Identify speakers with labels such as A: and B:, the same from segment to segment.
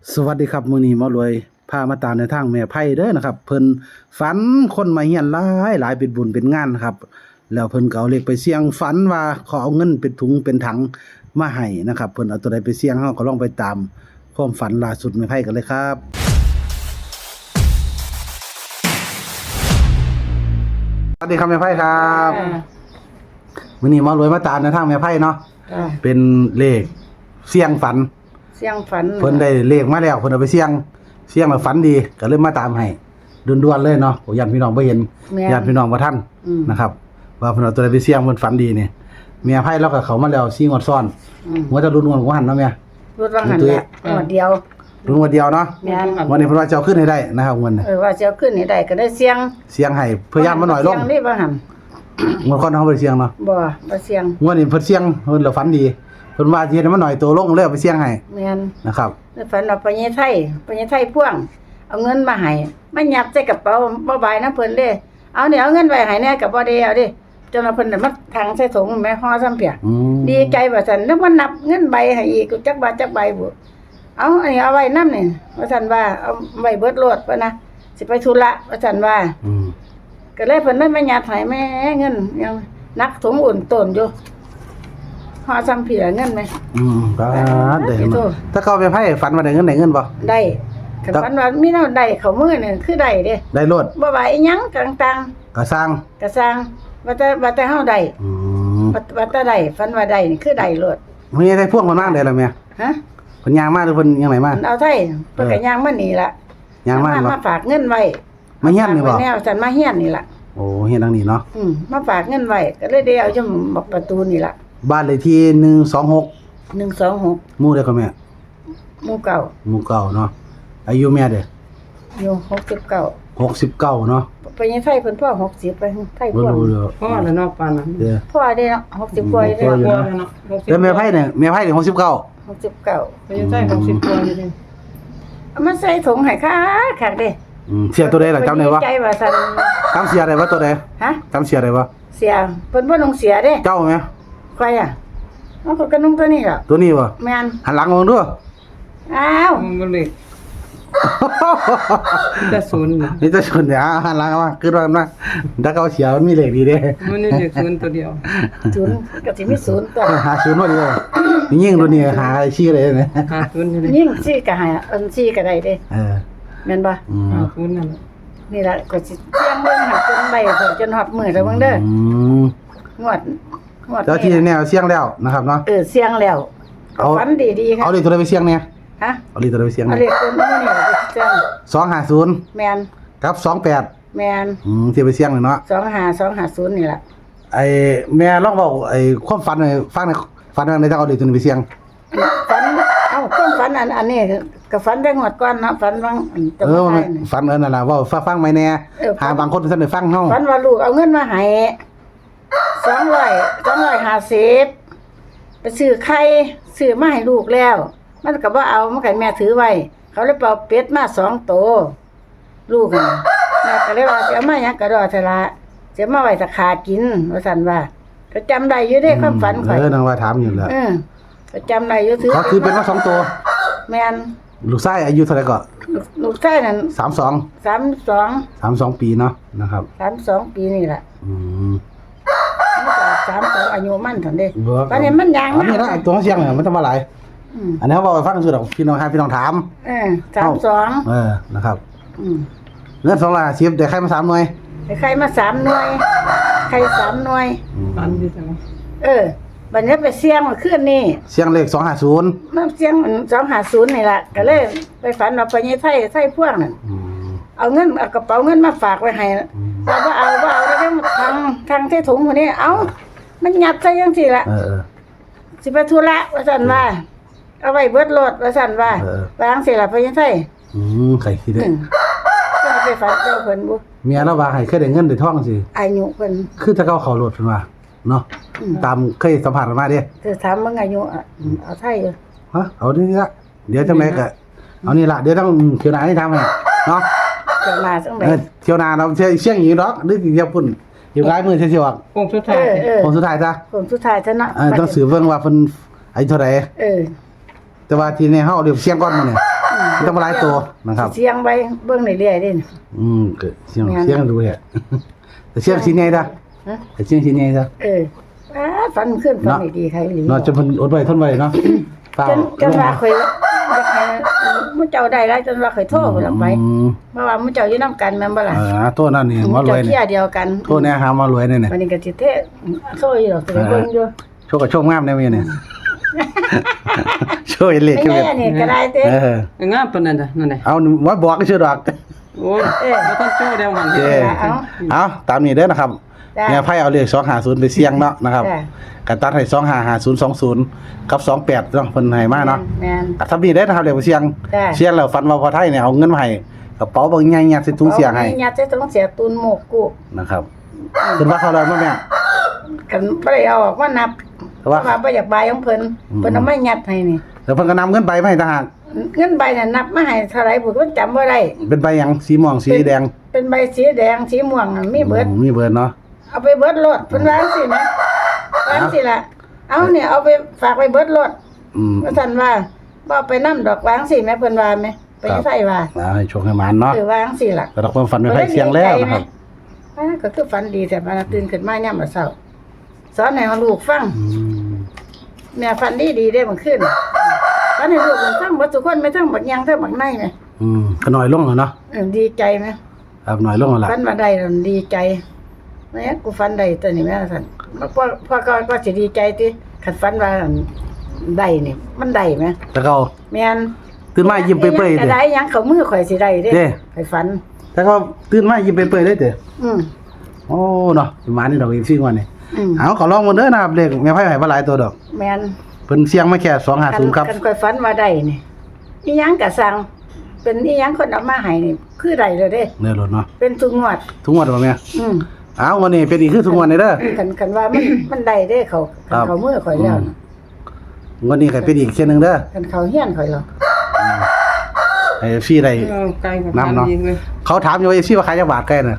A: สวัสดีครับมื้อนี้หมารวยพามาตามในทางแม่ไผเด้อนะครับเพิ่นฝันคนมาเฮียนหลายเป็นบุญเป็นงานครับแล้วเพิ่นก็เอาเลขไปเสี่ยงฝันว่าเขาเอาเงินเป็นถุงเป็นถังมาให้นะครับเพิ่นเอาตัวใดไปเสี่ยงเฮาก็ลองไปตามความฝันล่าสุดแม่ไผกันเลยครับสวัสดีครับแม่ไผครับมื้อนี้หมารวยมาตามในทางแม่ไผเนาะเป็นเลขเสี่ยงฝัน
B: เสียงฝัน
A: เพิ่นได้เลขมาแล้วเพิ่นเอาไปเสี่ยงแล้วฝันดีก็เลยมาตามให้ด่วนๆเลยเนาะญาติพี่น้องบ่เห็นญาติพี่น้องบ่ทันนะครับว่าเพิ่นเอาตัวใดไปเสี่ยงเพิ่นฝันดีนี่แม่ไผเราก็เข้ามาแล้ว4งวดซ้อนหัวจะรุ่นของหันเนาะแม่
B: รุ่นว่าหันแหละงวดเดียว
A: รุ่นงวดเดียวเนาะวันนี้เพิ่นว่าจะเอาขึ้นให้ได้นะครับงวดนี้
B: ว่าจะเอาขึ้นให้ได้ก็ได้เสียง
A: ให้เพื่อย่านมาหน่อยลง
B: เสียงนี่บ่หัน
A: งวดก่อนเฮาบ่ได้เสี่ยงเนาะ
B: บ่เสียง
A: งวดนี้เพิ่นเสี่ยงเพิ่นแล้วฝันดีเพิ่นว่าสิเฮ็ดให้มันหน่อยตัวลงเลยเอาไปเสี่ยงให้
B: แม่น
A: นะครับ
B: ฝันว่าปญไทยพ่วงเอาเงินมาให้มันยัดใส่กระเป๋าบ่บายนะเพิ่นเด้เอานี่เอาเงินไว้ให้แน่ก็บ่ได้เอาดิจนว่าเพิ่นน่ะมาถังใส่ถุงแม่ห่อซ้ำเปียดีใจว่าซั่นแล้วมันนับเงินใบให้อีกจักบาทจักใบบ่เอาอันนี้เอาไว้นำนี่ว่าซั่นว่าเอาไว้เบิดโลดว่านะสิไปธุระว่าซั่นว่าก็เลยเพิ่นเลยมายัดให้แม่เงินยังนักถุงอุ่นต้นอยู่ห่อซ้ำเปียเงินมั้ย
A: ก็ได้ถ้าเขาไปไผฝันว่าได้เงินบ่
B: ได้คันฝันว่ามีแนวใดเข้ามือนี่คือได้เด้
A: ได้โลด
B: บ่ว่าอีหยังต่าง
A: ๆก็สร้าง
B: ว่าแต่เฮาได้ว่าแต่ได้ฝันว่าได้นี่คือได้โลด
A: มีได้พวกมันมาได้ล่ะแม่
B: ฮะ
A: เพิ่นย่างมาหรือเพิ่นยังไงมา
B: เอาไทยเพิ่นก็ย่างมานี่ล่ะ
A: ย่างมา
B: ฝากเงินไว้
A: มาเฮียนนี่บ่
B: แนวฉันมาเฮียนนี่ล่ะ
A: โอ้เฮียนทางนี้เนาะ
B: มาฝากเงินไว้ก็เลยได้เอาอยู่บอกประตูนี่ล่ะ
A: บ้านเลขที่126หมู่ใดก็แม่
B: หมู่เก่า
A: เนาะอายุแม่เด้อ
B: อยู่69
A: เนาะ
B: ไปยังไทยเพิ่นพ่อ60ไปไทยพ่อ
C: พ่อแล้วเนาะปานนั้น
B: พ่อได้เนาะ60กว่าได้
A: เนาะแล้วแม่ไผเนี่ย69
C: ไปยังไทย60กว่าอยู่ดิ
B: มันใส่ถุงให้คักเด้
A: เสียตัวใดล่ะจำได้บ่
B: ใจว่าซั่น
A: จำเสียได้บ่ตัวใด
B: ฮะ
A: จำเสียได้บ่
B: เสียเพิ่นบ่ลงเสียเด้
A: เจ้าแม่
B: ใครอ่ะมันก็นุ่งตัวนี้ล่ะ
A: ตัวนี้บ่
B: แม่น
A: หันหลังมองดู
B: อ้าว
C: มันเลยจะศูนย์
A: นี่จะศูนย์เนี่ยหันหลังมาคือว่ามันถ้าเขาเสียมันมีเลขดีเด้
C: มันนี่เลขศูนย์ตัวเดียว
B: ศูนย์ก็สิมีศูนย์ตัว
A: หาศูนย์บ่ดียิ่งตัวนี้หาชื่ออะไรเนี่ย
C: หาศูนย์
B: ยิ่งซี่ก็หาซี่ก็ได้เด้แม่นบ่
C: หาศูนย์นั่น
B: นี่ล่ะก็สิเสียงเบิ่งหักจนใบจนฮอดมื้อแล้วเบิ่งเด้องวด
A: แล้วที่แนวเสียงแล้วนะครับเนาะ
B: เสียงแล้วฝันดีๆครับ
A: เอาเลขตัวใดไปเสียงเนี่ย
B: ฮะ
A: เอาเลขตัวใดไปเสียง
B: เอาเลขตัวนี้นี่เสียง
A: 250
B: แม่น
A: กับ28
B: แม่น
A: ที่ไปเสียงเลยเนาะ
B: 25250นี่ล่ะ
A: ไอ้แม่ลองเว้าไอ้ความฝันให้ฟังหน่อยฝันว่าได้เอาเลขตัวนี้ไปเสียง
B: ฝันความฝันอันนี้ก็ฝันได้งวดก่อนเนาะฝันว่า
A: ฝันนั่นล่ะเว้าฟังไหมแน่หาบางคนซั่นได้ฟังเฮา
B: ฝันว่าลูกเอาเงินมาให้250ไปซื้อไข่ซื้อมาให้ลูกแล้วมันก็บ่เอามันก็แม่ถือไว้เขาเลยเป่าเป็ดมา2ตัวลูกน่ะแม่ก็เลยว่าสิเอามาหยังก็ดอเถอะละสิมาไว้ถ้าขากินว่าซั่นว่าก็จำได้อยู่เด้ความฝันข่อย
A: นางว่าถามอยู่แล้ว
B: ก็จำได้อยู่ถือ
A: ก็คือเป็นว่า2ตัว
B: แม่น
A: ลูกชายอายุเท่าไหร่ก็
B: ลูกชายนั่น
A: 32ปีเนาะนะครับ
B: 32ปีนี่ล่ะ32อายุมันเท่านั้นเด้ตอนนี้มันยัง
A: อันนี้นะตัวเสียงเนี่ยมันจะมาหลายอันนี้เขาบอกไปฟังสุดอกพี่น้องถาม
B: 32
A: นะครับเงิน210ได้ใครมา3หน่วย
B: ใครมา3หน่วยใคร3หน่วย
C: ฝันดีจัง
B: บัดนี้ไปเสี่ยงเมื่อคืนนี้
A: เสียงเลข250
B: มันเสียง250นี่ล่ะก็เลยไปฝันว่าไปไทยพวกนั่นเอาเงินเอากระเป๋าเงินมาฝากไว้ให้ว่าเอาแล้วทางที่ถุงคนนี้เอามันยัดใส่จังซี่ล่ะสิไปธุระว่าซั่นว่าเอาไว้เบิดรถว่าซั่นว่าวางสิล่ะไปไทย
A: ใครคิดได้
B: ไปฝันเจ้าเพิ่นบ่
A: เมียเราว่าให้เคยได้เงินได้ทองสิ
B: อายุเพิ่น
A: คือถ้าเขารถเพิ่นว่าเนาะตามเคยสัมภาษณ์มาเด้
B: ถามมึงอายุเอาไทย
A: ฮะเอานี่ละเดี๋ยวจังได๋ก็เอานี่ล่ะเดี๋ยวต้องเที่ยวหน้าให้ทำให้เนาะ
B: เที่ยวหน้าจังได๋
A: เที่ยวหน้าเราเชียงอีกดอกหรือเที่ยวพุ่นอยู่หลายมื้อเที่ยวออก
C: โค้งสุดท้าย
A: จ้ะ
B: โค้งสุดท้ายซะเนาะ
A: ต้องสืบเบิ่งว่าเพิ่นอายุเท่าใดแต่ว่าที่นี่เฮาเรียกเสียงก่อนมื้อนี่ต้องมาหลายตัวนะครับ
B: เสียงไว้เบิ่งเรื่อยๆเด้นี่
A: ก็เสียงดูแฮะแต่เสียงสิไงซะ
B: ฮะ
A: แต่เสียงสิไงซะ
B: ฝันขึ้นฝันดีใครหลี
A: เนาะจะเพิ่นอดไว้ทนไว้เนาะเปล่า
B: จนว่าเคยอยากให้มื้อเจ้าได้แล้วจนว่าเคยโทรพุ่นล่ะไปเพราะว่ามื้อเจ้าอยู่นำกันแม่นบ่ล่ะ
A: โทษนั่นนี่หมอรวย
B: เจ้า
A: นี่
B: เที่ยเดียวกัน
A: โทษแน่หาหมอรวยนี่
B: วันนี้ก็สิเทโทรอยู่ดอกสิเบิ่งอยู่
A: โชคกับโชคงามแน่มื้อนี่โชคเลข
B: ไม่
A: คือ
B: แน่นี่ก็ได้เด้
C: งามปานนั้นจ้ะนั่นแหละ
A: เอาว่าบอกก็ชื่อดอก
C: โอ้ยบ่ต้องโจ้แล้วมัน
A: เด้เอาตามนี้เด้อนะครับเนี่ยไพ่เอาเลข250ไปเสี่ยงเนาะนะครับกันตัดให้255020กับ28เนาะเพิ่นให้มาเนาะ
B: แม่น
A: ถ้ามีได้นะครับเลขไปเสี่ยงแล้วฝันว่าพอไทยเนี่ยเอาเงินมาให้กระเป๋าบางใหญ่ยัดใส่ถุงเสียงให้
B: ยัดใส่ถุงเสียตูนหมกกู
A: นะครับคิดว่าเขาได้บ่แม่
B: กันบ่ได้เอาออกมานับ
A: แต่ว่า
B: บ่อยากบายของเพิ่นเอามายัดให้นี่
A: แล้วเพิ่นก็นำเงินใบมาให้ต่างหาก
B: เงินใบน่ะนับมาให้เท่าไหร่ผมก็จำบ่ได้
A: เป็นใบหยังสีม่วงสีแดง
B: เป็นใบสีแดงสีม่วงมีเบิด
A: มีเบิดเนาะ
B: เอาไปเบิดรถเพิ่นว่าจังซี่นะว่าจังซี่ล่ะเอาเนี่ยเอาไปฝากไปเบิดรถว่าซั่นว่าบ่เอาไปนำดอกวาจังซี่แม่เพิ่นว่าแม่ไปไสว่า
A: ให้โชคให้หมานเนาะ
B: ว่าจังซี่ล่ะ
A: แต่ความฝันไม่ไผเสียงแล้วนะครับ
B: ก็คือฝันดีแต่มาตื่นขึ้นมายามมื้อเช้าสอนให้ลูกฟังแม่ฝันดีๆได้มื้อคืนฝันให้ลูกฟังบ่ทุกคนไม่ทั้งบักยังทั้งบักในแม่
A: ก็น้อยลงแล้วเนาะ
B: ดีใจไหม
A: ครับน้อยลงแล้วล่ะ
B: ฝันมาได้แล้วดีใจแม่กูฝันได้ตัวนี้แม่สั่นพ่อก็สิดีใจติคันฝันว่าได้นี่มันได้ไหม
A: แต่ก็
B: แม่น
A: ตื่นมายิ้มเปื่อยๆ
B: ก็
A: เด้
B: ได้หยังเข้ามือข่อยสิได้เด้
A: เด้
B: ข่อยฝัน
A: แต่ก็ตื่นมายิ้มเปื่อยๆเด้เด้
B: อืม
A: โอ้เนาะประมาณนี้ดอกอีก4งวดนี่
B: อืม
A: เอาขอลองมาเด้อนะครับเลขแม่ไผให้บ่หลายตัวดอก
B: แม่น
A: เพิ่นเสียงมาแค่250ครับ
B: คันข่อยฝันว่าได้นี่อีหยังก็สั่งเป็นอีหยังคนเอามาให้นี่คือได้เลยเด้
A: เนื้อรถเนาะ
B: เป็นทุกงวด
A: ทุกงวดบ่แม่
B: อืม
A: เอาวันนี้เป็นอีกคือทุกงวดนี่เด้อ
B: คันว่ามันได้เด้เขา
A: ครับ
B: เขามือข่อยแล้วนะ
A: วันนี้ก็เป็นอีกเช่นหนึงเด้อ
B: คันเขาเฮียนข่อยแล้ว
A: ให้ฟรีได้
C: ไกลกับ
A: น้ำเนาะ
C: ดีเลย
A: เขาถามอยู่ว่าฟรีว่าขายจักบาทใกล้น่ะ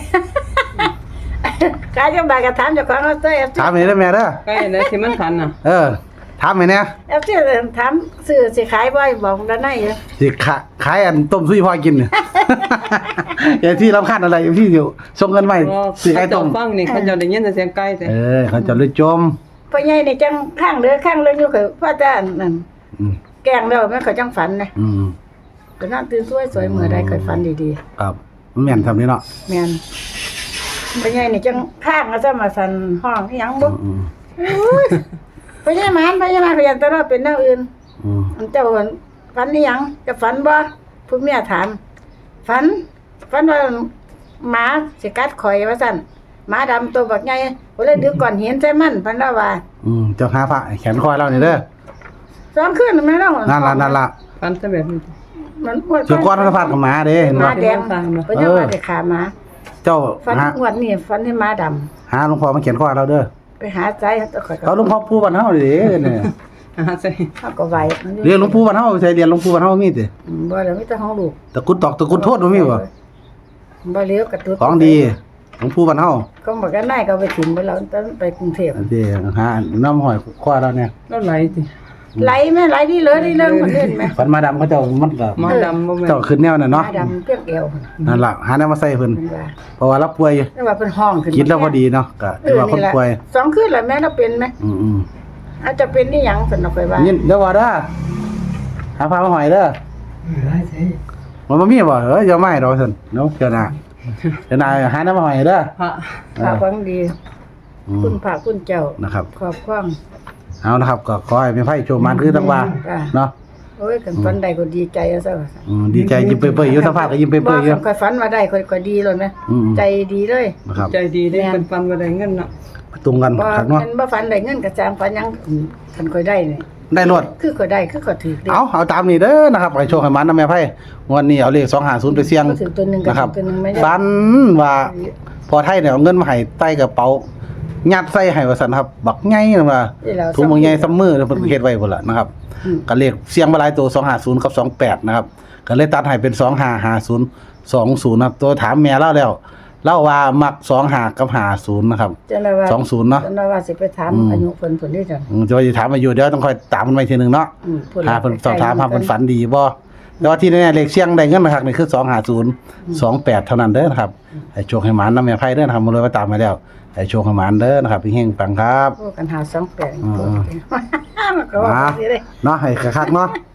B: กายจังบายก็ถามเจ้าของเอาตัว
A: ถามให้ได้อแม่เด้อ
C: ใกล้แล้วที่มันทันน่ะ
A: ถามให้แน่
B: FC ถามซื้อสิขายบ่บอกด้านในอยู่
A: สิขายอันต้มซุยพ่อกินเนี่ย อย่างที่รำคาญอะไรพี่อยู่ส่งเงินมาให้สิขายต้ม
C: ฟังนี่เขาจะได้ยินแต่เสียงไกลแต่
A: เขาจะเลยจม
B: พ่อใหญ่นี่จังข้างเด้อข้างเรื่องอยู่คือพ่อจ้านั่น
A: อืม
B: แกล้งแล้วแม่เขาจังฝันนะ
A: อืม
B: ก็นอนตื่นสวยๆมื้อใดเคยฝันดี
A: ครับมันแม่นทำนี่เนาะ
B: ๆแม่นพ่อใหญ่นี่จังข้างแล้วจะมาสั่นห้องอีหยังบ่
A: อืม
B: พ่อใหญ่มานพยันตลอดเป็นแนวอื่น
A: อืม
B: อันเจ้าฝันอีหยังจะฝันบ่ผู้เมียถามฝันว่าหมาสิกัดข่อยว่าซั่นหมาดำตัวบักใหญ่ก็เลยดึกก่อนหินใส่มันพันว่า
A: เจ้าหาพระแขนคอยเรานี่เด้อ
B: สองคืนแม่เนาะ
A: นั่นล่ะ
C: ฟันแต่แบบนี้
B: มัน
A: เจ้าก้อนก็พาดกับหมาเด้เห็น
B: ห
A: บ่
B: มาแดงเพิ่นจะว่าได้ขาหมา
A: เจ้า
B: ฝัน
A: หา
B: งวดนี้ฝันให้หมาดำ
A: หาหลวงพ่อมาเขียนคอยเราเด้อ
B: ไปหาใจตะข่อย
A: เขาหลวงพ่อปู่บ้านเฮาดิเนี่ย
C: ใส่
B: เฮาก็ไหว
A: เรียนหลวงปู่บ้านเฮาใช่เรียนหลวงปู่บ้านเฮามีติ
B: บ่แล้วมีแต่ของลูก
A: ตะกุดตอกตะกุดโทษบ่มีบ่
B: บ่เลี้ยวกระตุ้
A: ของดีหลวงปู่บ้านเฮา
B: ก็บอกกันนายก็ไปถิ่มไปแล้วตอนไปกรุงเทพ
A: อันนี้หาน้ำหอยคว้าเราเนี่ย
C: แล้วไหลติ
B: ไหลแม่ไหลดีเลยดีเลยมันเล่นแม่
A: ฝันมาดำเขาเจ้ามันก็
C: มาดำบ่แม่น
A: เจ้าขึ้นแนวน่ะ
B: หมา
A: เนาะ
B: ดำเปรี้ยวเอว
A: นั่นล่ะหาแนวมาใส่เพิ่น
B: เพิ่นว่า
A: เพราะว่าเราป่วย
B: แต่ว่าเพิ่นห้องขึ้น
A: คิดแล้วพอดีเนาะก็ถือว่าคนป่วย
B: สองคืนแล้วแม่เราเป็นไหม
A: อืม
B: อาจจะเป็นนี่หยังสนอกไปว่า
A: ๆนี่เดี๋ยวว่าเด้อหาพามาหอยเด้อมันบ่มีบ่อย่ามาให้ดอกซั่นเนาะเจ้าหน้าหาแนวมาหอยเด้อ
C: พระ
B: พระฟังดี
A: อืม
B: คุณพระคุณเจ้า
A: นะครับ
B: ขอบความ
A: เอานะครับก็ขอให้เป็นไผโชคมันคือทั้งว่าเนาะ
B: โอ้ยกันฝันใดก็ดีใจเอาซะว่า
A: ดีใจยิ้มเปื่อยๆอยู่สภาพก็ยิ้มเปื่อยๆอยู่
B: ค่อยฝันว่าได้ค่อยดีเลยนะ
A: อืม
B: ใจดีเลย
A: นะครับ
C: ใจดีได้เป็นฟันบ่ได้เงินเนาะ
A: ตรงกัน
B: บ่
A: คักเนาะ
B: มันบ่ฝันได้เงินก็จางฝันหยังคันค่อยได้นี่
A: ได้รวด
B: คือค่อยได้คือค่อยถือเด้
A: เอาตามนี้เด้อนะครับให้โชคให้มันนะแม่ไผงวดนี้เอาเลข250ไปเสี่ยง
B: ก็ถือตัวหนึงก็
A: นะครับ
B: ตัวหนึงไม่ได้
A: ฝันว่าพอไทยเนี่ยเอาเงินมาให้ใต้กระเป๋ายัดใส่ให้ว่าซั่นครับบักใหญ่นั่นว่า
B: ที่เรา
A: ถุงบักใหญ่ซ้ำมือเพิ่นเฮ็ดไว้พุ่นล่ะนะครับ
B: อืม
A: ก็เลขเสียงมาหลายตัว250กับ28นะครับก็เลยตัดให้เป็น255020นะครับตัวถามแม่เล่าแล้วเล่าว่ามัก25กับ50นะครับ
B: จังได๋ว่า
A: 20เนาะ
B: จังได๋ว่าสิไปถามอายุเพิ่นนี่จัง
A: จะว่าสิถามอายุเดี๋ยวต้องคอยตามมันไว้ทีนึงเนาะ
B: พูด
A: หาเพิ่นสอบถามหาเพิ่นฝันดีบ่แต่ว่าที่แน่ๆเลขเสียงได้เงินมาคักนี่คือ250 28เท่านั้นเด้อนะครับให้โชคให้หมานนำแม่ไผเด้อนะครับมาเลยว่าตามมาแล้วให้โชคให้หมานเด้อนะครับเฮงๆปังครับ
B: โอ้กันหา28
A: อืม
B: มันก็ว่าสิเด้
A: เนาะให้คักๆเนาะ